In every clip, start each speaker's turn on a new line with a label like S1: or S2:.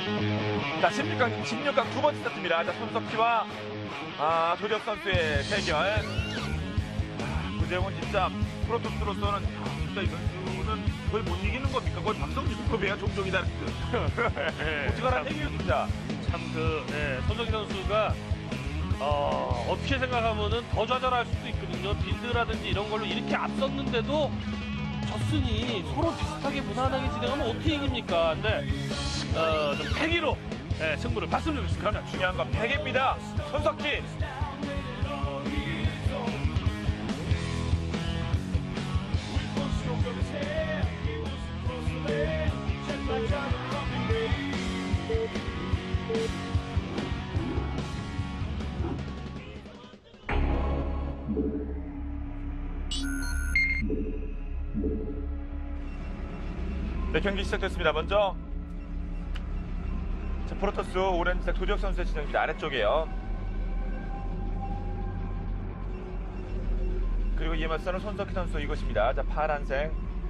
S1: 자, 16강 두 번째 세트입니다. 자, 손석희와 도재욱 선수의 대결. 도재욱은 진짜 프로토스로서는 진짜 이 선수는 거의 못 이기는 겁니까? 거의 박성준급이야 종종이다. 어찌가란 얘기예요, 진짜.
S2: 참 손석희 선수가 어떻게 생각하면은 더 좌절할 수도 있거든요. 빌드라든지 이런 걸로 이렇게 앞섰는데도 졌으니 서로 비슷하게 무난하게 진행하면 어떻게 이깁니까? 근데 좀 패기로 승부를 봤으면 좋겠습니다.
S1: 그러나 중요한 건 패기입니다. 손석희. 네, 경기 시작됐습니다. 먼저 자, 프로토스 오렌지색 도재욱 선수의 진영입니다. 아래쪽이에요. 그리고 이에 맞서는 손석희 선수 이곳입니다. 자, 파란색.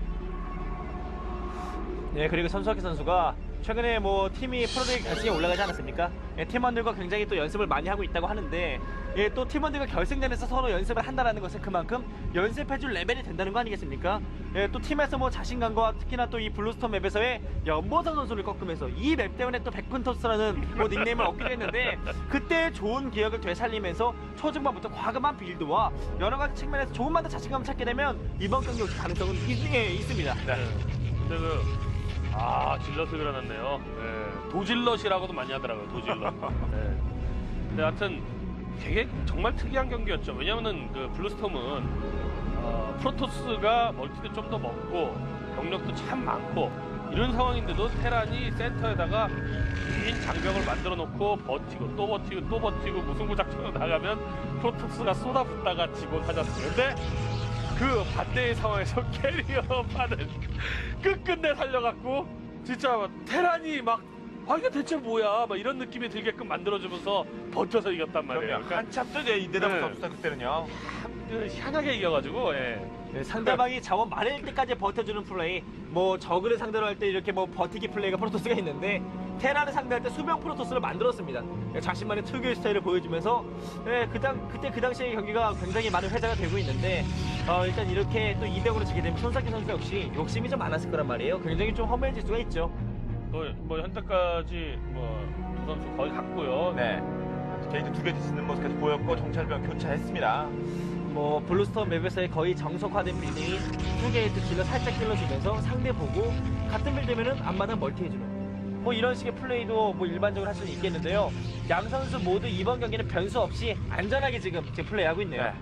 S3: 네, 그리고 손석희 선수가 최근에 뭐 팀이 프로리그 결승에 올라가지 않았습니까? 예, 팀원들과 굉장히 또 연습을 많이 하고 있다고 하는데 예, 또 팀원들과 결승전에서 서로 연습을 한다는 것은 그만큼 연습해줄 레벨이 된다는 거 아니겠습니까? 예, 또 팀에서 뭐 자신감과 특히나 또 이 블루스톰 맵에서의 연보선 선수를 꺾으면서 이 맵 때문에 또 백분토스라는 뭐 닉네임을 얻기도 했는데 그때 좋은 기억을 되살리면서 초중반부터 과감한 빌드와 여러 가지 측면에서 조금만 더 자신감을 찾게 되면 이번 경기 올 가능성은 있습니다.
S2: 네. 근데 질럿을 그려놨네요. 도질럿이라고도 많이 하더라고요. 도질럿. 근데 하여튼 되게 정말 특이한 경기였죠. 왜냐면은 그 블루스톰은 프로토스가 멀티도 좀 더 먹고 병력도 참 많고 이런 상황인데도 테란이 센터에다가 긴 장벽을 만들어 놓고 버티고 또 버티고 또 버티고 무승부 작전으로 나가면 프로토스가 쏟아붓다가 지고 하졌어요. 근데 그 반대의 상황에서 캐리어판을 끝끝내 살려갖고 진짜 테란이 막 이게 대체 뭐야 막 이런 느낌이 들게끔 만들어주면서 버텨서 이겼단 말이에요. 그러니까
S1: 한참 또 내다보고 없었어 그때는요.
S2: 희한하게 이겨가지고
S3: 네, 상대방이 자원 많을 때까지 버텨주는 플레이 뭐 저그를 상대로 할 때 이렇게 뭐 버티기 플레이가 프로토스가 있는데 테란을 상대할 때 수명 프로토스를 만들었습니다. 자신만의 특유의 스타일을 보여주면서 그때 그 당시의 경기가 굉장히 많은 회자가 되고 있는데 일단 이렇게 또 200으로 지게 되면 손석희 선수 역시 욕심이 좀 많았을 거란 말이에요. 굉장히 좀 허무해질 수가 있죠.
S2: 뭐 현재까지 두 선수 거의 같고요.
S1: 네. 게이트 2개 짓는 모습까지 보였고 정찰병 교차했습니다.
S3: 뭐 블루스톰 맵에서의 거의 정석화된 빌딩이 2게이트 킬러 살짝 찔러주면서 상대 보고 같은 빌드면은 앞마당 멀티해주는 뭐 이런 식의 플레이도 뭐 일반적으로 할 수는 있겠는데요. 양 선수 모두 이번 경기는 변수 없이 안전하게 지금 플레이하고 있네요.
S1: 네.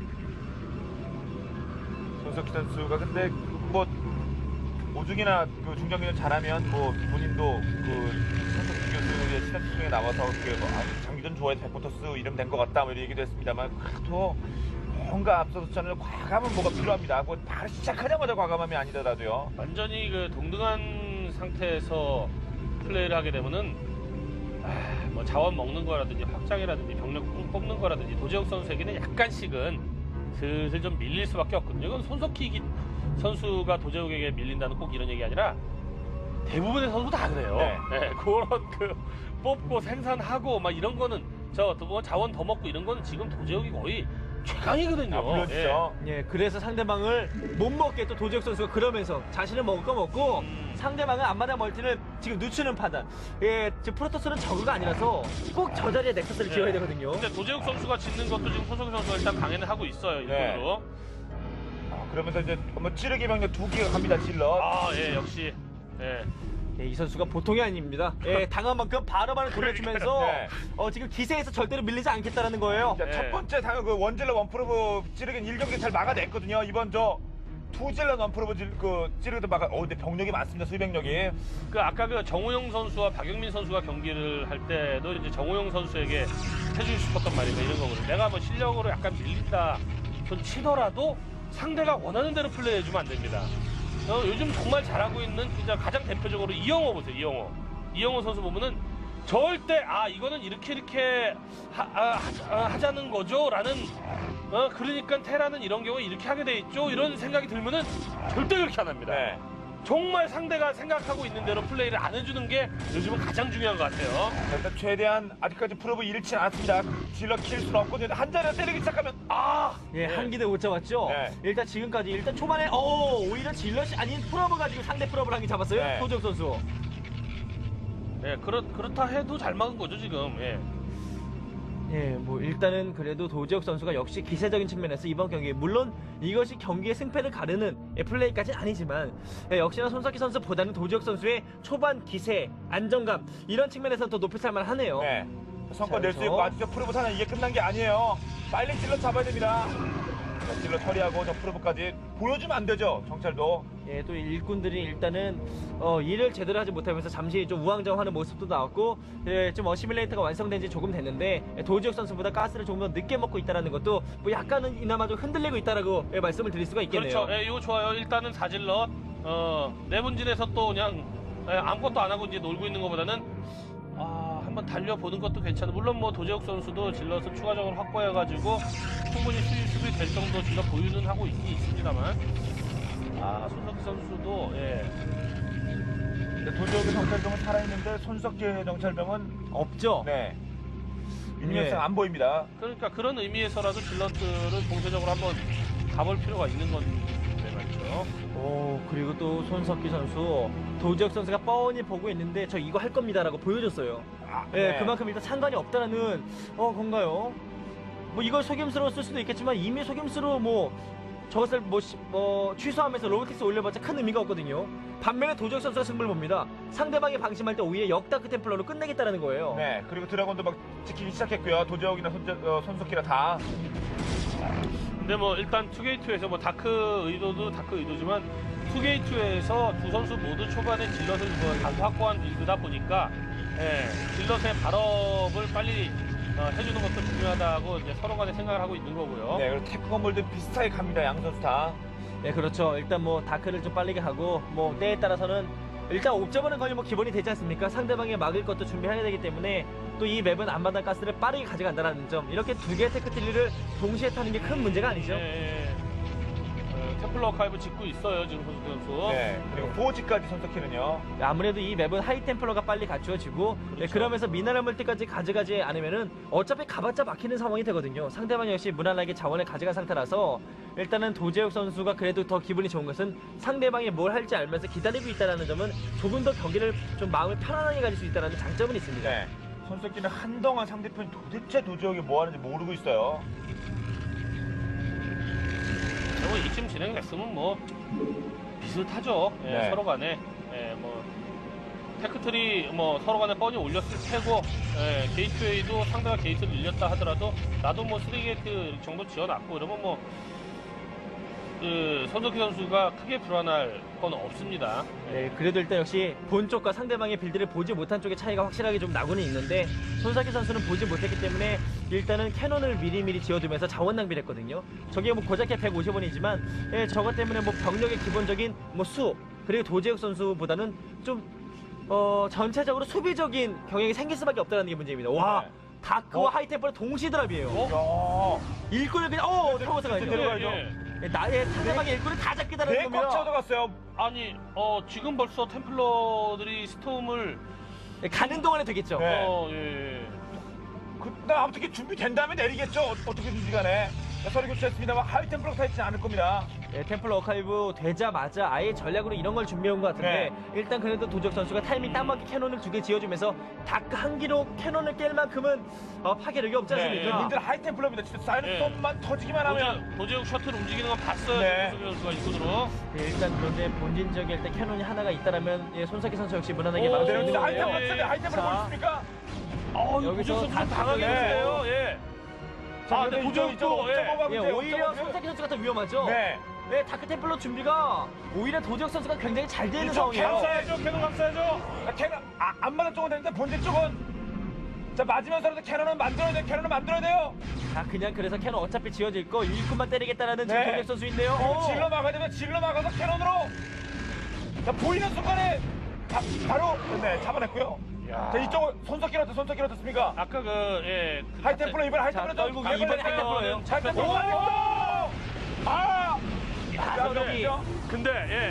S1: 손석희 선수가 근데 뭐 오죽이나 그 중장기를 잘하면 뭐 본인도 그 손석희 교수의 시나리오 중에 나와서 장기전 좋아해서 백포토스 이름 된 것 같다 뭐 이런 얘기도 했습니다만 그래도 뭔가 앞서서는 과감은 뭐가 필요합니다. 뭐 바로 시작하자마자 과감함이 아니더라도요.
S2: 완전히 그 동등한 상태에서 플레이를 하게 되면은 뭐 자원 먹는 거라든지 확장이라든지 병력 뽑는 거라든지 도재욱 선수에게는 약간씩은 슬슬 좀 밀릴 수밖에 없거든요. 이건 손석희 선수가 도재욱에게 밀린다는 꼭 이런 얘기 아니라 대부분의 선수 다 그래요.
S1: 네.
S2: 그런 뽑고 생산하고 막 이런 거는 자원 더 먹고 이런 거는 지금 도재욱이 거의 최강이거든요.
S1: 물론이죠.
S3: 예, 그래서 상대방을 못 먹게 또 도재욱 선수가 그러면서 자신을 먹을 거 먹고 상대방은 앞마당 멀티를 지금 늦추는 판단. 예, 지금 프로토스는 저그가 아니라서 꼭 저 자리에 넥서스를 지어야 되거든요.
S2: 근데 도재욱 선수가 짓는 것도 지금 손석희 선수가 일단 방해는 하고 있어요.
S1: 네.
S2: 일본으로.
S1: 그러면서 이제 뭐 찌르기 병력 2개가 갑니다. 질러.
S2: 역시.
S3: 예, 이 선수가 보통이 아닙니다. 예, 당한 만큼 바로바로 돌려주면서
S1: 네.
S3: 지금 기세에서 절대로 밀리지 않겠다라는 거예요.
S1: 자, 첫 번째 그 원질러 원프로브 찌르기는 1경기 잘 막아냈거든요. 이번 투질러 원프로브 찌르기도 근데 병력이 많습니다. 수비병력이.
S2: 아까 그 정우영 선수와 박영민 선수가 경기를 할 때도 이제 정우영 선수에게 해주고 싶었던 말이니까 이런 거거든요. 내가 뭐 실력으로 약간 밀린다 손 치더라도 상대가 원하는 대로 플레이해주면 안 됩니다. 요즘 정말 잘하고 있는 진짜 가장 대표적으로 이영호 보세요. 이영호 선수 보면은 절대 이거는 이렇게 하자는 거죠 라는 그러니까 테라는 이런 경우에 이렇게 하게 돼 있죠 이런 생각이 들면은 절대 그렇게 안 합니다.
S1: 네.
S2: 정말 상대가 생각하고 있는 대로 플레이를 안 해주는 게 요즘은 가장 중요한 것 같아요.
S1: 자, 일단 최대한 아직까지 프로브 잃지 않았습니다. 질러 킬 수는 없거든요. 한 자리에 때리기 시작하면
S3: 예, 한 기대 못 잡았죠.
S1: 네.
S3: 일단 지금까지 일단 초반에 오히려 질럿이 아닌 프로브 가지고 상대 프로브를 한 개 잡았어요.
S1: 네.
S3: 도적 선수.
S2: 예, 그렇다 해도 잘 막은 거죠 지금. 예.
S3: 예, 뭐 일단은 그래도 도지혁 선수가 역시 기세적인 측면에서 이번 경기 물론 이것이 경기의 승패를 가르는 플레이까지는 아니지만 역시나 손석희 선수보다는 도지혁 선수의 초반 기세, 안정감 이런 측면에서 더 높이 살만하네요.
S1: 네. 성과 낼 수
S3: 그래서-
S1: 있고 아직도 프로브 사는 이게 끝난 게 아니에요. 빨리 질러 잡아야 됩니다. 자, 질러 처리하고 저 프로브까지 보여주면 안 되죠. 정찰도.
S3: 예, 또 일꾼들이 일단은 일을 제대로 하지 못하면서 잠시 좀 우왕좌왕하는 모습도 나왔고 좀 어시밀레이터가 완성된 지 조금 됐는데 도지혁 선수보다 가스를 조금 더 늦게 먹고 있다는 것도 뭐 약간은 이나마 좀 흔들리고 있다라고 말씀을 드릴 수가 있겠네요.
S2: 그렇죠. 예, 이거 좋아요. 일단은 사질러 내분진에서 또 그냥 아무것도 안 하고 이제 놀고 있는 것보다는 한번 달려보는 것도 괜찮아. 물론 뭐 도재욱 선수도 질럿을 추가적으로 확보해가지고 충분히 수비 될 정도 질럿 보유는 하고 있습니다만 손석희 선수도
S1: 도지혁의 정찰병은 살아있는데 손석희의 정찰병은
S3: 없죠.
S1: 네. 인명성
S3: 예.
S1: 안 보입니다.
S2: 그러니까 그런 의미에서라도 질럿들을 공세적으로 한번 가볼 필요가 있는 건데 말이죠.
S3: 그리고 또 손석희 선수 도지혁 선수가 뻔히 보고 있는데 저 이거 할 겁니다라고 보여줬어요. 예,
S1: 네.
S3: 그만큼 일단 상관이 없다라는 건가요? 뭐 이걸 속임수로 쓸 수도 있겠지만 이미 속임수로 저것을 취소하면서 로보틱스 올려봤자 큰 의미가 없거든요. 반면에 도지혁 선수가 승부를 봅니다. 상대방이 방심할 때 오히려 역다크 템플러로 끝내겠다는 거예요.
S1: 네. 그리고 드래곤도 막 지키기 시작했고요. 도지혁이나 손석희나 다.
S2: 근데 뭐 일단 투게이트에서 뭐 다크 의도도 다크 의도지만 투게이트에서 두 선수 모두 초반에 질럿을 다수 확보한 빌드다 보니까 질럿의 발업을 빨리 해주는 것도 중요하다고 이제 서로 간에 생각을 하고 있는 거고요.
S1: 네. 그리고 테크 건물도 비슷하게 갑니다. 양 선수 다.
S3: 네, 그렇죠. 일단 다크를 좀 빠르게 하고 때에 따라서는 일단 옵저버는 거의 기본이 되지 않습니까? 상대방이 막을 것도 준비해야 되기 때문에 또 이 맵은 앞마당 가스를 빠르게 가져간다는 점 이렇게 두 개의 테크트리를 동시에 타는 게 큰 문제가 아니죠.
S2: 템플러 아카이브 짓고 있어요 지금 손석희 선수.
S1: 네. 그리고 보호지까지 손석희는요.
S3: 아무래도 이 맵은 하이템플러가 빨리 갖추어지고
S2: 그렇죠.
S3: 그러면서 미네랄 멀티까지 가져가지 않으면은 어차피 가봤자 막히는 상황이 되거든요. 상대방이 역시 무난하게 자원을 가져간 상태라서 일단은 도재욱 선수가 그래도 더 기분이 좋은 것은 상대방이 뭘 할지 알면서 기다리고 있다는 점은 조금 더 경기를 좀 마음을 편안하게 가질 수 있다는 장점은 있습니다.
S1: 네. 손석희는 한동안 상대편이 도대체 도지혁이 뭐 하는지 모르고 있어요.
S2: 뭐 이쯤 진행됐으면 뭐 비슷하죠.
S1: 네.
S2: 서로 간에 테크트리 서로 간에 뻔히 올렸을 테고 게이트웨이도 상대가 게이트를 늘렸다 하더라도 나도 3게이트 정도 지어놨고 이러면 손석희 선수가 크게 불안할 건 없습니다.
S3: 네, 그래도 일단 역시 본 쪽과 상대방의 빌드를 보지 못한 쪽의 차이가 확실하게 좀 나고는 있는데 손석희 선수는 보지 못했기 때문에 일단은 캐논을 미리미리 지어두면서 자원 낭비를 했거든요. 저게 고작해 150원이지만 저것 때문에 병력의 기본적인 수 그리고 도재욱 선수보다는 좀 전체적으로 수비적인 경향이 생길 수밖에 없다는 게 문제입니다. 와,
S1: 네.
S3: 다크와 하이템플러 동시 드랍이에요.
S1: 야.
S3: 일꾼을 그냥 타고서 가야죠.
S1: 들어가야죠.
S3: 나의 상대방의 일꾼을 다 잡겠다는
S1: 배에 꽉
S3: 겁니다.
S1: 채워들어갔어요.
S2: 아니 지금 벌써 템플러들이 스톰을
S3: 가는 동안에 되겠죠.
S1: 네.
S2: 예.
S1: 아무튼 이게 준비된 다음에 내리겠죠. 어떻게든지 간에. 서류 교체했습니다만 하이템플러가 타 있지 않을 겁니다.
S3: 템플러 어카이브 되자마자 아예 전략으로 이런 걸 준비해온 것 같은데
S1: 네.
S3: 일단 그래도 도적 선수가 타이밍 딱 맞게 캐논을 2개 지어주면서 다크 한 기로 캐논을 깰 만큼은 파괴력이 없지 않습니까?
S1: 님들 하이템플러입니다. 진짜 사이렌스톰만 터지기만 하면.
S2: 도재욱 셔틀 움직이는 건 봤어요.
S1: 네.
S2: 손석희 선수가 일꾼으로.
S3: 일단 그런데 본진적인 일단 캐논이 하나가 있다라면 손석희 선수 역시 무난하게
S2: 오,
S3: 막을 수
S1: 네,
S3: 있는
S1: 근데
S3: 거예요.
S1: 하이템플러 하이템플러
S3: 자.
S1: 보십니까?
S3: 여기서
S2: 도재욱 선수
S3: 다크
S2: 당하게
S1: 네.
S2: 됐어요. 예. 근데 도재욱도
S3: 오히려 손석희 선수가 더 위험하죠.
S1: 네.
S3: 네, 다크 템플러 준비가 오히려 도적 선수가 굉장히 잘 되는
S1: 이쪽
S3: 상황이에요.
S1: 감싸야죠. 캐논 감싸야죠. 캐논 안 맞는 쪽은 되는데 본질 쪽은 자 맞으면서라도 캐논은 만들어야 돼요. 캐논은 만들어야 돼요.
S3: 자, 그냥 그래서 캐논 어차피 지어질 거 일꾼만 때리겠다라는 지금
S1: 네.
S3: 도적 선수인데요.
S1: 그리고 질러 막아야 되면 질러 막아서 캐논으로 자 보이는 순간에 바로 잡아냈고요. 자 이쪽은 손석희는 어떻습니까?
S2: 아까
S1: 하이템플러 이번에 하이템플러
S3: 자, 떨고
S1: 좀
S3: 이번에 하이템플러예요.
S1: 하이템플러 아!
S3: 야, 여기
S2: 근데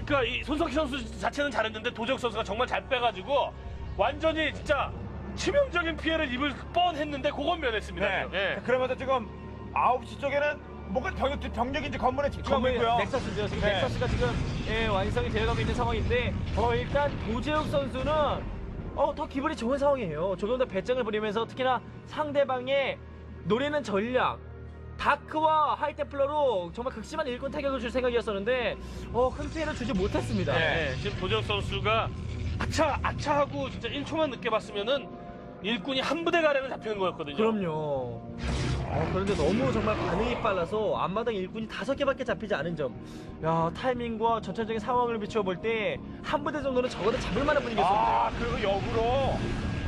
S2: 그러니까 이 손석희 선수 자체는 잘했는데 도재욱 선수가 정말 잘 빼가지고 완전히 진짜 치명적인 피해를 입을 뻔했는데 그건 면했습니다.
S1: 네.
S2: 예.
S1: 그러면서 지금 9시 쪽에는 뭔가 병력인지 건물에 집중하고 있고요.
S3: 넥서스죠. 지금
S1: 네.
S3: 넥서스가 지금 완성이 되어가고 있는 상황인데 일단 도재욱 선수는 더 기분이 좋은 상황이에요. 조금 더 배짱을 부리면서 특히나 상대방의 노리는 전략 다크와 하이테플러로 정말 극심한 일꾼 타격을 줄 생각이었었는데 큰 피해를 주지 못했습니다.
S2: 네, 지금 도재욱 선수가 아차하고 진짜 1초만 늦게 봤으면은 일꾼이 한 부대 가량은 잡히는 거였거든요.
S3: 그럼요. 그런데 너무 정말 반응이 빨라서 앞마당 일꾼이 5개밖에 잡히지 않은 점. 야, 타이밍과 전체적인 상황을 비추어 볼 때 한 부대 정도는 적어도 잡을 만한 분위기였습니다.
S1: 그리고 역으로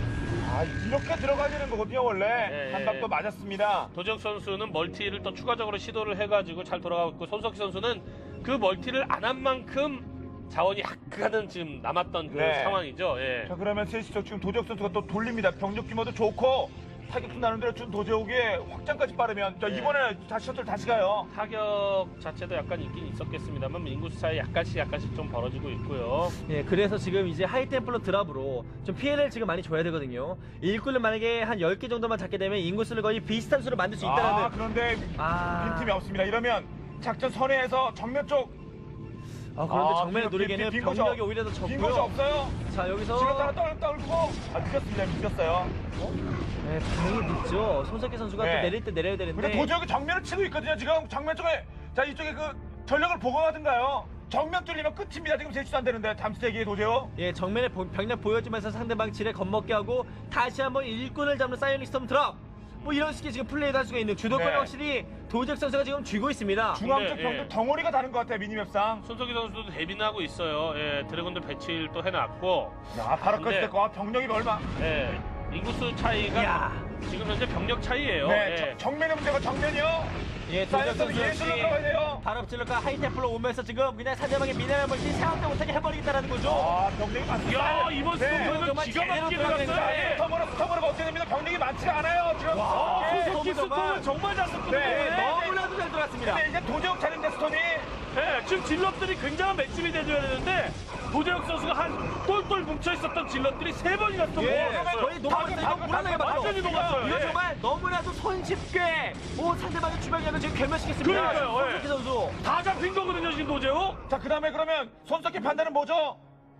S1: 이렇게 들어가지는 거거든요 원래.
S2: 예,
S1: 한 방도 맞았습니다.
S2: 도재욱 선수는 멀티를 또 추가적으로 시도를 해가지고 잘 돌아가고 있고 손석희 선수는 그 멀티를 안 한 만큼 자원이 약간은 지금 남았던 그
S1: 네.
S2: 상황이죠. 예.
S1: 자 그러면 셋이쪽 지금 도재욱 선수가 또 돌립니다. 병력 규모도 좋고 타격도 나는 대로 준 도재욱의 확장까지 빠르면 자,
S2: 네.
S1: 이번에 다시 셔틀 다시 가요.
S2: 타격 자체도 약간 있긴 있었겠습니다만 인구수 차이 약간씩 좀 벌어지고 있고요.
S3: 예, 그래서 지금 이제 하이템플러 드랍으로 좀 피해를 지금 많이 줘야 되거든요. 일꾼을 만약에 한 10개 정도만 잡게 되면 인구수를 거의 비슷한 수로 만들 수 있다는.
S1: 그런데 빈틈이 없습니다. 이러면 작전 선회에서 정면 쪽
S3: 그런데 정면에
S1: 빈
S3: 노리기에는
S1: 빈 곳이
S3: 병력이 오히려 더
S1: 빈 곳이
S3: 적고요.
S1: 없어요.
S3: 자, 여기서
S1: 지금 하나 떨고 늦었습니다. 늦었어요.
S3: 네, 반응이 늦죠. 손석희 선수가
S1: 네.
S3: 또 내릴 때 내려야 되는데.
S1: 근데 도재욱이 정면을 치고 있거든요. 지금 정면 쪽에 자 이쪽에 그 전력을 보강하든가요. 정면 뚫리면 끝입니다. 지금 제치도 안 되는데 잠수대기의 도재욱.
S3: 예, 정면에 병력 보여주면서 상대방 지뢰 겁먹게 하고 다시 한번 일꾼을 잡는 사이오닉 스톰 드랍. 뭐 이런 식의 지금 플레이를 할 수가 있는 주도권을
S1: 네.
S3: 확실히 도재욱 선수가 지금 쥐고 있습니다.
S1: 중앙 쪽
S2: 네,
S1: 병력
S2: 예.
S1: 덩어리가 다른 것 같아요. 미니맵상.
S2: 손석희 선수도 대비는 하고 있어요. 예, 드래곤들 배치를 또 해놨고,
S1: 야 바로
S2: 근데-
S1: 껐을 거 병력이 얼마?
S2: 예, 인구수 차이가
S3: 이야.
S2: 지금 현재 병력 차이예요.
S1: 네,
S2: 예.
S1: 정면의 문제가 정면이요.
S3: 예, 도재욱
S1: 사이언스는
S3: 선수
S1: 예술로
S3: 역시
S1: 들어가야 돼요.
S3: 발업질러가 하이테플로 오면서 지금 그냥 상대방의 미네랄 멀티 생각도 못하게 해버리겠다는 거죠.
S1: 병력이 많습니다.
S2: 야, 이번
S1: 네.
S2: 스톱은
S3: 정말
S2: 기가
S3: 제대로
S2: 막히게
S3: 들어가는
S2: 들어갔어요.
S3: 거예요.
S2: 예.
S1: 스톱으로 어떻게 됩니다. 병력이 많지가 않아요. 지금.
S2: 와,
S1: 예.
S2: 손석희 스톱은 정말 잘 썼거든요.
S1: 네,
S2: 예.
S3: 너무나도 잘 들어갔습니다.
S1: 근데 이제 도재욱 차례인데 스톰이.
S2: 예, 지금 질럿들이 굉장한 맷집이 돼줘야 되는데 도재욱 선수가 한 똘똘 뭉쳐있었던 질럿들이 3번이나 스톱을
S3: 예,
S2: 먹었어요.
S3: 거의 녹았어요. 이거 무난하게 맞죠.
S2: 완전히 녹았어요.
S3: 이거
S2: 예.
S3: 정말 너무나도 손쉽게 상대방의 주변력을 지금 결멸시켰습니다.
S2: 그러니까요, 예.
S3: 손석희 선수.
S2: 다 잡힌 거거든요, 지금 도재욱.
S1: 자, 그 다음에 그러면 손석희 판단은 뭐죠?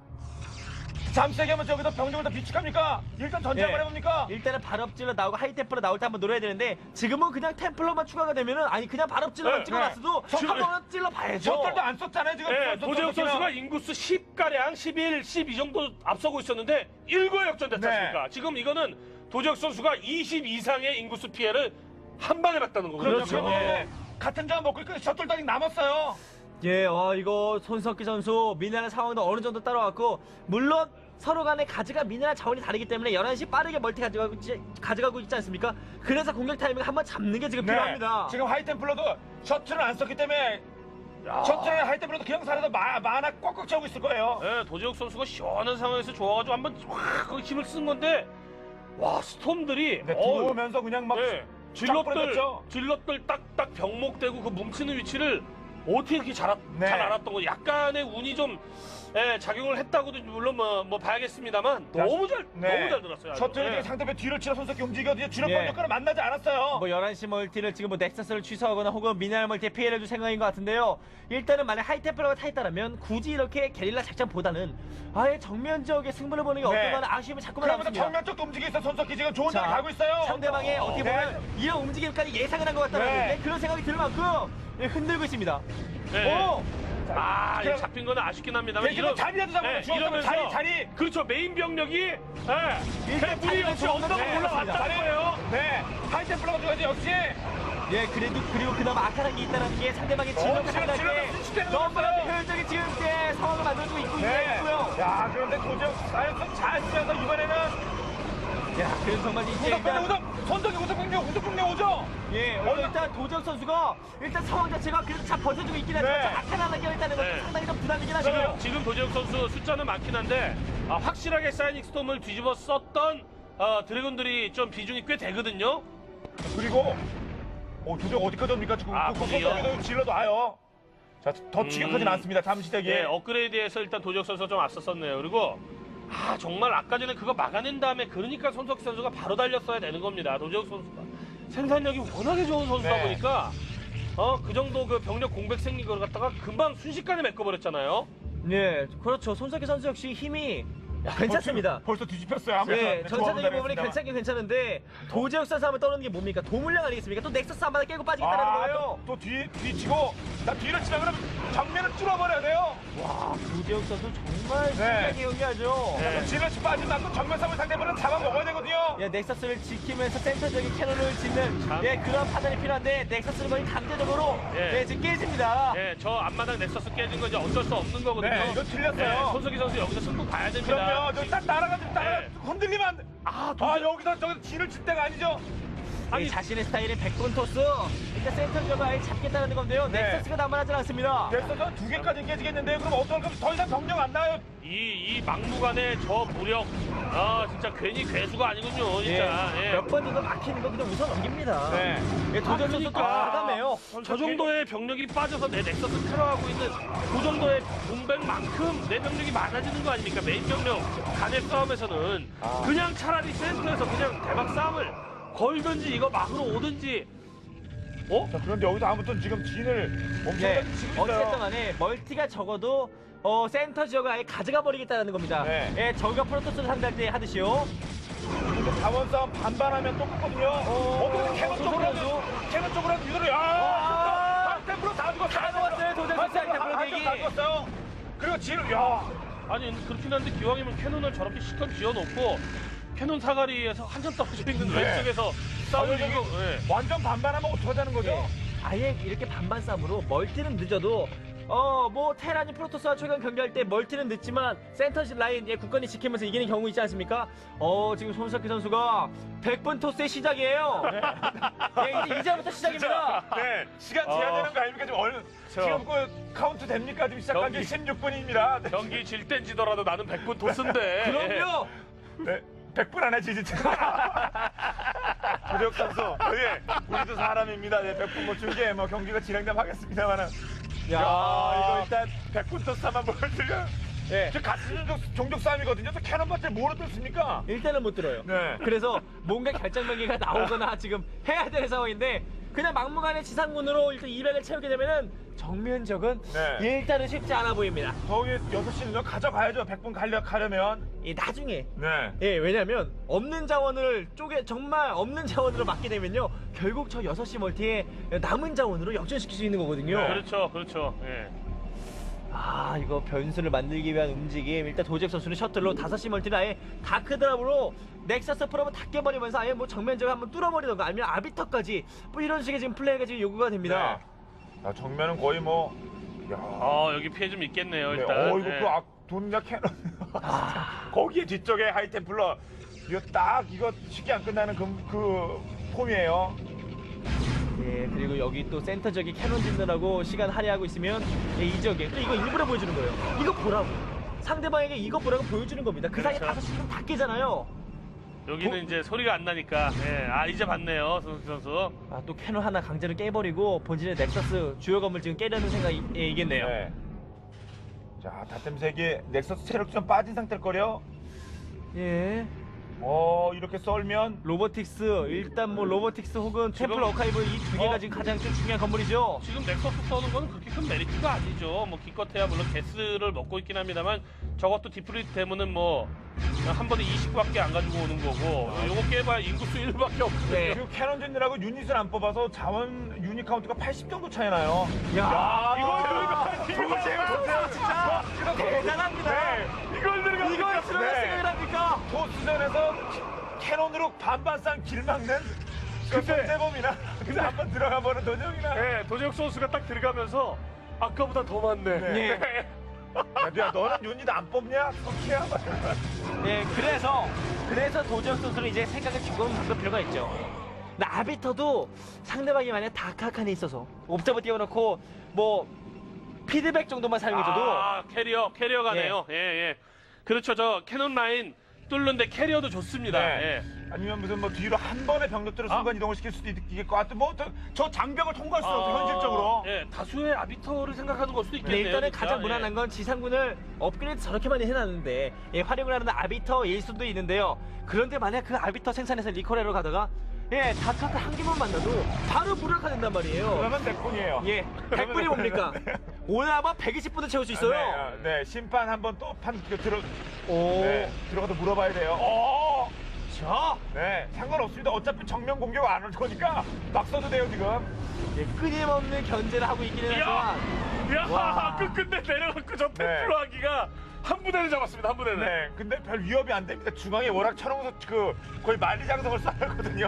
S1: 잠시하게 하면 저기서 병력을 다 비축합니까? 일단 전쟁을
S3: 예.
S1: 해봅니까?
S3: 일단은 발업질러 나오고 하이템플러 나올 때 한번 노려야 되는데 지금은 그냥 템플러만 추가가 되면은 그냥 발업질러만
S2: 네,
S3: 찍어놨어도
S1: 네.
S3: 한번 찔러봐야죠.
S1: 셔틀도 안 썼잖아요, 지금.
S2: 예, 도재욱 선수가 인구수 10가량, 11, 12 정도 앞서고 있었는데 1구에 역전됐지
S1: 네.
S2: 않습니까? 지금 이거는 도재욱 선수가 20 이상의 인구수 피해를 한 방에 봤다는 거거든요.
S3: 그렇죠.
S1: 그러면
S3: 예.
S1: 같은 장 먹고 있고 셔틀도 아직 남았어요.
S3: 예, 이거 손석희 선수 미네랄 상황도 어느 정도 따라왔고 물론 서로 간에 미네랄 자원이 다르기 때문에 11시 빠르게 멀티 가져가고 있지 않습니까? 그래서 공격 타이밍 한번 잡는 게 지금 필요합니다.
S1: 지금 하이템플러도 셔틀을 안 썼기 때문에 셔틀에 하이템플러도 그냥 살아서 만화 꽉꽉 채우고 있을 거예요.
S2: 예, 도재욱 선수가 시원한 상황에서 좋아가지고 한번 확 힘을 쓴 건데 와 스톰들이
S1: 네, 들어오면서 그냥 막
S2: 예,
S1: 쫙 뿌려졌죠.
S2: 질럿들 딱딱 병목되고 그 뭉치는 위치를 어떻게 이렇게 잘
S1: 네.
S2: 알았던 거 약간의 운이 좀 작용을 했다고도 물론 뭐 봐야겠습니다만 너무 잘 들었어요. 아주.
S1: 셔틀이
S2: 예.
S1: 상대편 뒤를 치러 손석희 움직여도 주력
S3: 예.
S1: 병력과는 만나지 않았어요.
S3: 뭐 11시 멀티를 지금 넥서스를 취소하거나 혹은 미네랄 멀티에 피해를 줄 생각인 것 같은데요. 일단은 만약 하이템플러가 타있다면 굳이 이렇게 게릴라 작전보다는 아예 정면 지역에 승부를 보는 게 어떨까 하는 아쉬움이 자꾸만
S1: 그러면서
S3: 남습니다.
S1: 정면 쪽도 움직이고 있어. 손석희 지금 좋은 데로
S3: 자,
S1: 가고 있어요.
S3: 상대방의 어떻게 보면 이런 움직임까지 예상을 한 것 같다는
S1: 네.
S3: 그런 생각이 들 만큼 흔들고 있습니다.
S2: 예.
S3: 오!
S2: 이거 잡힌 거는 아쉽긴 합니다만
S1: 대신에 자리라도 잡으면 주었으면 자리.
S2: 그렇죠 메인 병력이
S3: 일단
S2: 무리 없이
S3: 자리를
S2: 언덕으로
S3: 네,
S2: 올라왔다는
S3: 맞습니다.
S2: 거예요.
S1: 네, 하이템플러가 들어가지 역시.
S3: 예, 그리고 그나마 악한 게 있다는 게 상대방의 진영을
S1: 지금
S3: 상당히
S1: 순식간에
S3: 너무나도
S1: 넘었어요.
S3: 효율적인 지금 상황을 만들어주고 있고요.
S1: 야, 그런데 도저히 사연성 잘 쓰면서 이번에는
S3: 야, 그래서 정말 이제
S1: 손석희 우승병력 오죠.
S3: 예, 일단 도재욱 선수가 일단 상황 자체가 그래도 잘 버텨주고 있긴 하지만
S1: 네.
S3: 악한 하나 껴있다는 것도
S2: 네.
S3: 상당히 좀 부담이긴 하죠.
S2: 지금 도재욱 선수 숫자는 많긴 한데 확실하게 사이닉 스톰을 뒤집어 썼던 드래곤들이 좀 비중이 꽤 되거든요.
S1: 그리고 도저히 어디까지 옵니까 지금?
S2: 무리요.
S1: 손석희도 질러도 와요. 자, 더 추격하진 않습니다. 잠시대기.
S2: 예, 업그레이드에서 일단 도지혁 선수가 좀 앞섰었네요. 그리고 정말 아까 전에 그거 막아낸 다음에 그러니까 손석희 선수가 바로 달렸어야 되는 겁니다. 도지혁 선수가 생산력이 워낙에 좋은 선수다
S1: 네.
S2: 보니까 그 정도 그 병력 공백 생긴 걸 갖다가 금방 순식간에 메꿔버렸잖아요.
S3: 네, 그렇죠. 손석희 선수 역시 힘이 괜찮습니다.
S1: 벌써 뒤집혔어요. 아무래도.
S3: 예,
S1: 네,
S3: 전체적인
S1: 조합은
S3: 부분이
S1: 잘했습니다.
S3: 괜찮긴 괜찮은데 도지혁 선수 하면 떠오르는 게 뭡니까? 도물량 아니겠습니까? 또 넥서스 한 마디 깨고 빠지겠다는 거예요.
S1: 또 뒤치고 나 뒤를 치면 그러면 정면을 뚫어버려야 돼요.
S3: 와, 도지혁 선수 정말
S1: 네.
S3: 신기하게 연기하죠.
S2: 네.
S1: 뒤를 빠지면 또 정면 싸움을 상대방을 잡아먹어야 되거든요.
S3: 예, 넥서스를 지키면서 센터적인 캐논을 짓는
S2: 참.
S3: 그런 판단이 필요한데 넥서스는 거의 강제적으로
S2: 예.
S3: 지금 깨집니다.
S2: 예, 저 앞마당 넥서스 깨진 건 이제 어쩔 수 없는 거거든요.
S1: 네, 이거 틀렸어요.
S2: 예, 손석희 선수 여기서 승부 봐야 됩니다.
S1: 그럼요. 저기 딱 날아가지고
S2: 네.
S1: 흔들리면 안 돼. 여기서 저기 뒤를 칠 때가 아니죠.
S3: 아니, 자신의 스타일의 100번 토스 일단 센터적으로 아예 잡겠다는 건데요.
S1: 네.
S3: 넥서스가 남아나질 않습니다.
S1: 넥서스 두 개까지 깨지겠는데요. 그럼 어떨 거면 더 이상 병력 안 나요.
S2: 이 막무가내 저 무력, 진짜 괜히 괴수가 아니군요, 진짜. 예.
S3: 몇 번 이거 막히는 거 그냥 웃어 넘깁니다.
S1: 네.
S3: 도전 선수 또
S2: 그러니까.
S3: 과감해요.
S2: 저 정도의 병력이 빠져서 내 넥서스 테러하고 있는 그 정도의 공백만큼 내 병력이 많아지는 거 아닙니까? 메인 병력 간의 싸움에서는 그냥 차라리 센터에서 그냥 대박 싸움을 걸든지 이거 막으로 오든지.
S1: 자, 그런데 여기서 아무튼 지금 진을
S3: 네.
S1: 엄청나게 치고
S3: 어쨌든
S1: 있어요.
S3: 간에 멀티가 적어도 센터 지역을 아예 가져가 버리겠다는 겁니다.
S1: 네.
S3: 예, 저희가 프로토스를 상대할 때 하듯이요.
S1: 근데 자원 싸움 반반하면 똑같거든요. 어떻게 캐논 쪽으로 하면 캐논 쪽으로 하면 유도를 템프로 다 죽었어요.
S3: 다 죽었어요. 도전 선수 템프로 대기.
S1: 다 죽었어요. 그리고 진을
S2: 아니 그렇긴 한데 기왕이면 캐논을 저렇게 시컷 지어놓고 캐논 사거리에서 한참 떨어져 있는
S1: 네.
S2: 왼쪽에서 싸우는
S1: 여기
S2: 거. 예.
S1: 완전 반반하면 어떡하자는 거죠?
S3: 예, 아예 이렇게 반반 싸움으로 멀티는 늦어도 뭐 테란이 프로토스와 최근 경기할 때 멀티는 늦지만 센터 라인 굳건히 지키면서 이기는 경우 있지 않습니까? 지금 손석희 선수가 100분 토스의 시작이에요. 예, 이제부터 시작입니다.
S1: 네, 시간 제한되는 거 아닙니까? 지금 얼른 지금 그 카운트 됩니까? 지금 시작한 지
S2: 경기.
S1: 16분입니다. 네.
S2: 경기 질 땐 지더라도 나는 100분 도스인데.
S3: 그럼요.
S1: 네. 100분 안에 지지. 조재혁 선수, 예, 우리도 사람입니다. 예, 100분 뭐 중계 뭐 경기가 진행되면 하겠습니다만은. 야, 이거 일단 100분 토스만 보여드려.
S3: 예.
S1: 저 같은 종족 싸움이거든요. 저 캐논 밭에 뭐로 뚫습니까?
S3: 일단은 못 들어요.
S1: 네.
S3: 그래서 뭔가 결정명기가 나오거나 지금 해야 되는 상황인데 그냥 막무가내 지상군으로 일단 200을 채우게 되면은 정면적은
S1: 네.
S3: 일단은 쉽지 않아 보입니다.
S1: 저기 6시는 가져가야죠. 100분 가려면.
S3: 나중에
S1: 네.
S3: 예, 왜냐면 없는 자원을 정말 없는 자원으로 막게 되면요 결국 저 6시 멀티에 남은 자원으로 역전시킬 수 있는 거거든요.
S1: 네.
S2: 그렇죠, 그렇죠. 예.
S3: 이거 변수를 만들기 위한 움직임. 일단 도재혁 선수는 셔틀로 5시 멀티를 아예 다크드랍으로 넥서스 프로브 다 깨버리면서 아예 뭐 정면적으로 한번 뚫어버리던가 아니면 아비터까지 뭐 이런 식의 지금 플레이가 지금 요구가 됩니다.
S1: 네. 야, 정면은 거의 뭐. 야.
S2: 여기 피해 좀 있겠네요,
S1: 네.
S2: 일단.
S1: 이거
S2: 예.
S1: 그 돈이나 캐논. 거기에 뒤쪽에 하이템플러. 이거 딱 이거 쉽게 안 끝나는 그 폼이에요.
S3: 예, 그리고 여기 또 센터 지역에 캐논 짓느라고 시간 할애하고 있으면 이 지역에 또 이거 일부러 보여주는 거예요. 이거 보라고. 상대방에게 이거 보라고 보여주는 겁니다. 그 사이에
S2: 그렇죠.
S3: 5시 다 깨잖아요.
S2: 여기는 이제 소리가 안 나니까. 예. 이제 봤네요, 손석희 선수.
S3: 또 캐논 하나 강제로 깨버리고 본진의 넥서스 주요 건물 지금 깨려는 생각이겠네요.
S1: 네. 자, 다템색이 넥서스 체력 좀 빠진 상태일 거려.
S3: 예.
S1: 이렇게 썰면
S3: 로보틱스 일단 뭐 로보틱스 혹은 템플 어카이브 이 두 개가 지금 가장 좀 중요한 건물이죠.
S2: 지금 넥서스 써는 건 그렇게 큰 메리트가 아니죠. 뭐 기껏해야 물론 게스를 먹고 있긴 합니다만 저것도 디플리트 되면은 뭐 한 번에 20밖에 안 가지고 오는 거고 요거 깨봐야 인구수 1밖에 없거든요.
S3: 네.
S1: 지금 캐논 짓느라고 유닛을 안 뽑아서 자원 유닛 카운트가 80 정도 차이 나요.
S3: 야,
S1: 이걸 들어가
S3: 진짜 대단합니다.
S1: 네. 이걸 들어가
S3: 이걸 들어갈 생각을 합니까?
S1: 토스전에서 캐논으로 반반 싼 길 막는 그 손재범이나 근데 한번 들어가 보는 도정이나.
S2: 네, 도재혁 선수가 딱 들어가면서 아까보다 더 많네.
S3: 네.
S1: 야, 너는 유닛 안 뽑냐? 터키야.
S3: 네, 그래서 도지혁 선수는 이제 생각을 조금 바꿀 필요가 있죠. 근데 아비터도 상대방이 만약 다크하칸에 있어서 옵저버 띄워놓고 뭐 피드백 정도만 사용해줘도
S2: 캐리어 가네요. 예. 그렇죠. 저 캐논 라인 뚫는데 캐리어도 좋습니다.
S1: 네.
S2: 예.
S1: 아니면 무슨 뭐 뒤로 한 번에 병력들을 순간 이동을 시킬 수도 있겠고, 하여튼 뭐저 장벽을 통과할 수 없어 현실적으로.
S2: 예, 다수의 아비터를 생각하는 걸 수도
S3: 네,
S2: 있겠네요.
S3: 일단은
S2: 진짜.
S3: 가장 무난한 건 지상군을 업그레이드 저렇게 많이 해놨는데 활용을 하는 아비터일 수도 있는데요. 그런데 만약 그 아비터 생산해서 리콜하러 가다가 다크한테 한 개만 만나도 바로 무력화 된단 말이에요.
S1: 그러면 대폰이에요.
S3: 예, 100분이 뭡니까? 오늘 아마 120분을 채울 수 있어요.
S1: 네, 심판 한번 또
S3: 오,
S1: 들어가서 물어봐야 돼요.
S3: 자,
S1: 네, 상관없습니다. 어차피 정면 공격 안 올 거니까 막 써도 돼요 지금.
S3: 끊임없는 견제를 하고 있기는
S2: 이야!
S3: 하지만
S2: 야, 끝끝내 내려갖고 저 펜프로 하기가 한 부대를 잡았습니다. 한 부대를.
S1: 네, 근데 별 위협이 안 됩니다. 중앙에 워낙 천홍석 거의 만리장성을 쌓았거든요.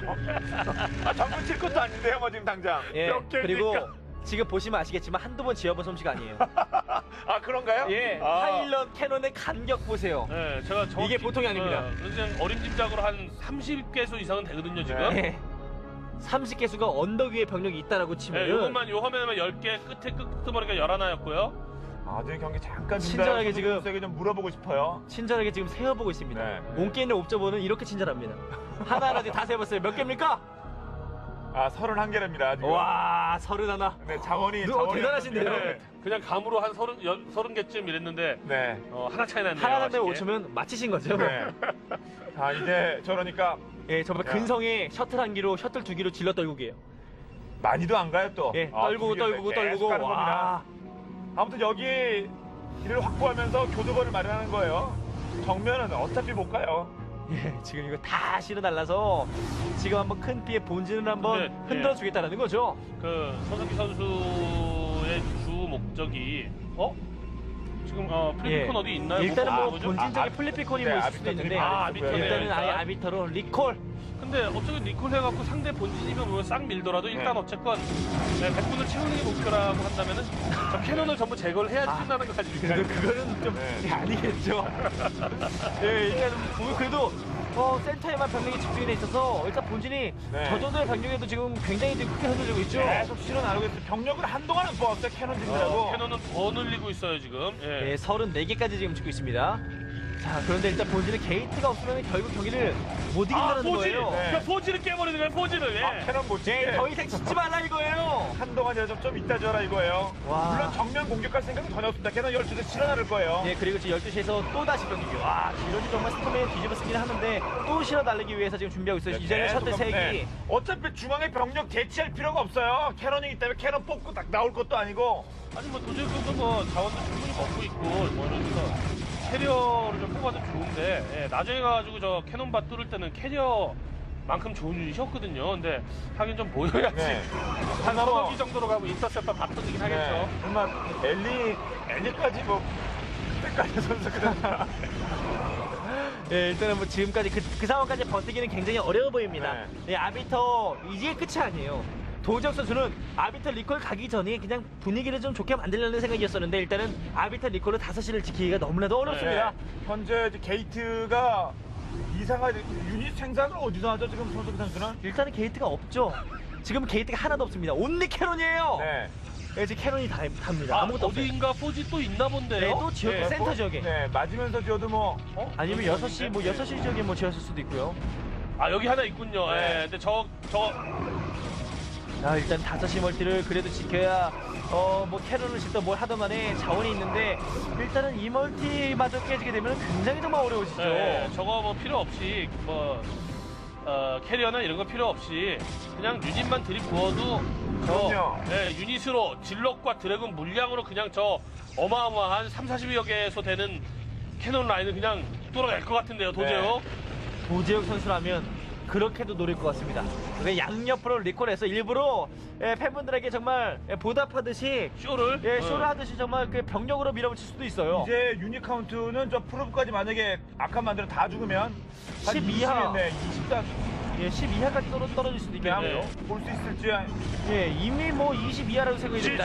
S1: 정면 칠 것도 아닌데요, 뭐 지금 당장.
S2: 몇 개입니까?
S3: 그리고 지금 보시면 아시겠지만 한두 번 지어본 솜씨가 아니에요.
S1: 아 그런가요?
S3: 파일럿 캐논의 간격 보세요.
S2: 네, 제가
S3: 이게 보통이 아닙니다.
S2: 그냥 어림짐작으로 한 30개수 이상은 되거든요, 지금.
S3: 네. 30개수가 언덕 위에 병력이 있다라고 치면
S2: 네, 요것만 요 화면에만 10개, 끝에 끝머리가 11였고요.
S1: 아들 경기 잠깐
S3: 친절하게 지금
S1: 선수에게 좀 물어보고 싶어요.
S3: 친절하게 지금 세어보고 있습니다.
S1: 네.
S3: 온게 있는 옵저버는 이렇게 친절합니다. 하나하나 다 세어봤어요. 몇 개입니까?
S1: 31개랍니다 지금.
S3: 와, 31.
S1: 네, 자원이
S3: 대단하신데요?
S2: 네, 그냥 감으로 한 30개쯤 이랬는데
S1: 네.
S2: 하나 차이 났네요.
S3: 하나 상대
S2: 아쉽게.
S3: 5초면 맞히신 거죠?
S1: 네. 자 이제 저러니까
S3: 정말 근성에 셔틀 한 기로 셔틀 두 기로 질러 떨구기예요.
S1: 많이도 안 가요 또.
S3: 떨구고 떨구고 떨구고.
S1: 가는 겁니다.
S3: 와.
S1: 아무튼 여기 길을 확보하면서 교두보를 마련하는 거예요. 정면은 어차피 못 가요.
S3: 지금 이거 다 실어 날라서 지금 한번 큰 피해 본진을 한번
S2: 네,
S3: 흔들어 주겠다라는 거죠.
S2: 그 손석희 선수의 주 목적이 지금 플리피콘 어디 있나요?
S3: 일단은 뭐
S2: 뭐죠?
S3: 본진적인 플리피콘이 뭐 있을 수도 있는데
S2: 아비터네.
S3: 일단은 아예 아비터로 리콜.
S2: 근데 어쨌든 리콜 해갖고 상대 본진이면 뭐 싹 밀더라도 일단
S1: 네.
S2: 어쨌건 100분을 채우는 게 목표라고 한다면은 저 캐논을 전부 제거를 해야지 끝나는 거 아닙니까?
S3: 그거는 좀 아니겠죠. 일단 그래도 센터에만 병력이 집중이 돼 있어서 일단 본진이
S1: 네.
S3: 저 정도의 병력에도 지금 굉장히 지금 크게 흔들리고 있죠.
S1: 계속 실어 나르고 있어요. 병력을 한동안은 뽑았어요. 캐논진들하고.
S2: 캐논은 더 늘리고 있어요 지금. 예.
S3: 34개까지 지금 짓고 있습니다. 자, 그런데 일단 본진의 게이트가 없으면 결국 경기를 못 이긴다는
S2: 포지!
S3: 거예요.
S1: 네.
S2: 그러니까 포지를 깨버리는 거예요 포지를. 예.
S1: 캐논 못 치게.
S3: 더 이상 짓지 말라 이거예요.
S1: 한동안이라도 좀 이따 줘라 이거예요.
S3: 와.
S1: 물론 정면 공격할 생각은 전혀 없습니다. 캐논 12대 실어 나를 거예요.
S3: 그리고 지금 12시에서 또 다시 병력이. 와, 이러지 정말 스톰에 뒤집어 쓰긴 하는데 또 실어 달리기 위해서 지금 준비하고 있어요. 이제는
S1: 계속
S3: 셔틀 3기.
S1: 네. 어차피 중앙에 병력 대치할 필요가 없어요. 캐논이기 때문에 캐논 뽑고 딱 나올 것도 아니고.
S2: 아니 뭐 도저히 뭐 자원도 충분히 먹고 있고 뭐 이러면서 캐리어를 좀 뽑아도 좋은데 나중에 가가지고 저 캐논밭 뚫을 때는 캐리어만큼 좋은 유닛이었거든요. 근데 하긴 좀 보여야지.
S1: 네.
S2: 한
S1: 뭐-
S2: 서너 기 정도로 가고 인터셉터 다 터지긴 하겠죠.
S1: 정말 엘리까지 뭐 그때까지 선수가
S3: 일단은 뭐 지금까지 그 상황까지 버티기는 굉장히 어려워 보입니다. 아비터 이게 끝이 아니에요. 도지혁 선수는 아비터 리콜 가기 전에 그냥 분위기를 좀 좋게 만들려는 생각이었었는데 일단은 아비터 리콜로 5시를 지키기가 너무나도 어렵습니다.
S1: 현재 이제 게이트가 이상하게 유닛 생산을 어디서 하죠 지금 손석희 선수는?
S3: 일단은 게이트가 없죠. 지금 게이트가 하나도 없습니다. 온리 캐논이에요. 지금 캐논이 답니다. 아무것도 없어요.
S2: 어디인가 포지 또 있나 본데요.
S3: 또 지역 센터 지역에.
S1: 네, 맞으면서 지어도 뭐
S3: 아니면 6시 뭐 6시 지역에 뭐 지었을 수도 있고요.
S2: 여기 하나 있군요.
S1: 네.
S2: 근데
S3: 일단 5시 멀티를 그래도 지켜야 뭐 캐논을 짓든 뭘 하든 간에 자원이 있는데 일단은 이 멀티마저 깨지게 되면 굉장히 정말 어려워지죠.
S2: 저거 뭐 필요 없이 뭐 캐리어나 이런 거 필요 없이 그냥 유닛만 들이부어도
S1: 그럼요.
S2: 유닛으로 질럿과 드래곤 물량으로 그냥 저 어마어마한 30-40여 개에서 되는 캐논 라인을 그냥 뚫어낼 것 같은데요, 도저요.
S3: 도재혁 선수라면 그렇게도 노릴 것 같습니다. 양옆으로 리콜해서 일부러 팬분들에게 정말 보답하듯이
S2: 쇼를
S3: 쇼를 하듯이 정말 그 병력으로 밀어붙일 수도 있어요.
S1: 이제 유닛 카운트는 저 프로브까지 만약에 악한 만들어 다 죽으면
S3: 12하.
S1: 20단
S3: 12하까지 떨어질 수도 있겠네요.
S1: 볼 수 있을지.
S3: 이미 뭐 22하라고 생각이 됩니다.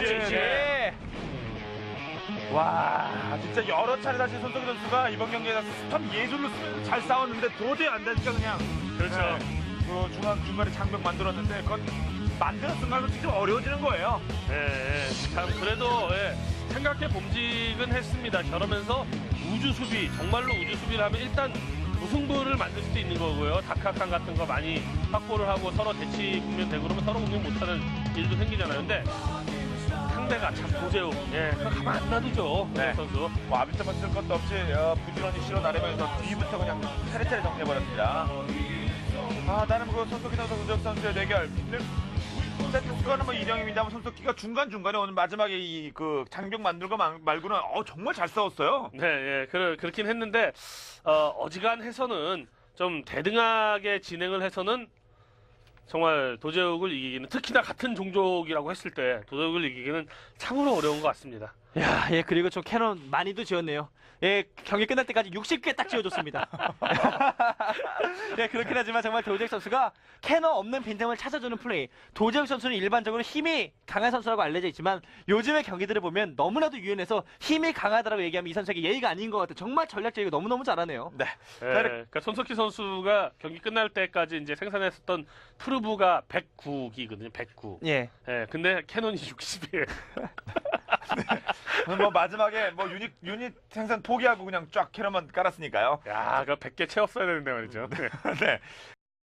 S1: 와, 진짜 여러 차례 다시 손석희 선수가 이번 경기에서 스톰 예술로 잘 싸웠는데 도저히 안 되니까 그냥
S2: 그렇죠.
S1: 그 중간에 장벽 만들었는데 그건 만드는 순간도 진짜 어려워지는 거예요.
S2: 참 그래도 생각해 봄직은 했습니다. 저러면서 우주 수비 정말로 우주 수비를 하면 일단 무승부를 만들 수도 있는 거고요. 다크한 같은 거 많이 확보를 하고 서로 대치 국면 되고 그러면 서로 공격 못하는 일도 생기잖아요. 근데 상대가 참 도제욱, 예, 그거 가만 안 놔두죠.
S1: 네.
S2: 선수.
S1: 뭐 아비터만 쓸 것도 없이 부지런히 실어 나르면서 뒤부터 그냥 차례차례 정리해버렸습니다. 나는 그 손석희 선수 우재욱 선수의 대결. 세트 스코어는 뭐 2-0입니다만 손석희가 중간중간에 오늘 마지막에 이 그 장벽 만들고 말고는 정말 잘 싸웠어요.
S2: 네, 예, 그렇긴 했는데 어지간해서는 좀 대등하게 진행을 해서는 정말 도제욱을 이기기는 특히나 같은 종족이라고 했을 때 도제욱을 이기기는 참으로 어려운 것 같습니다.
S3: 야, 예, 그리고 좀 캐논 많이도 지었네요. 예, 경기 끝날 때까지 60개 딱 지어줬습니다. 예, 그렇긴 하지만 정말 도재욱 선수가 캐논 없는 빈틈을 찾아주는 플레이. 도재욱 선수는 일반적으로 힘이 강한 선수라고 알려져 있지만 요즘의 경기들을 보면 너무나도 유연해서 힘이 강하다라고 얘기하면 이 선수에게 예의가 아닌 것 같아요. 정말 전략적이고 너무너무 잘하네요.
S1: 네.
S2: 예, 그러니까 손석희 선수가 경기 끝날 때까지 이제 생산했었던 프루브가 109기거든요. 109.
S3: 예.
S2: 예, 근데 캐논이 60이에요.
S1: 뭐 마지막에 뭐 유닛 생산 포기하고 그냥 쫙 캐논만 깔았으니까요.
S2: 야, 그 100개 채웠어야 되는데 말이죠.
S1: 네.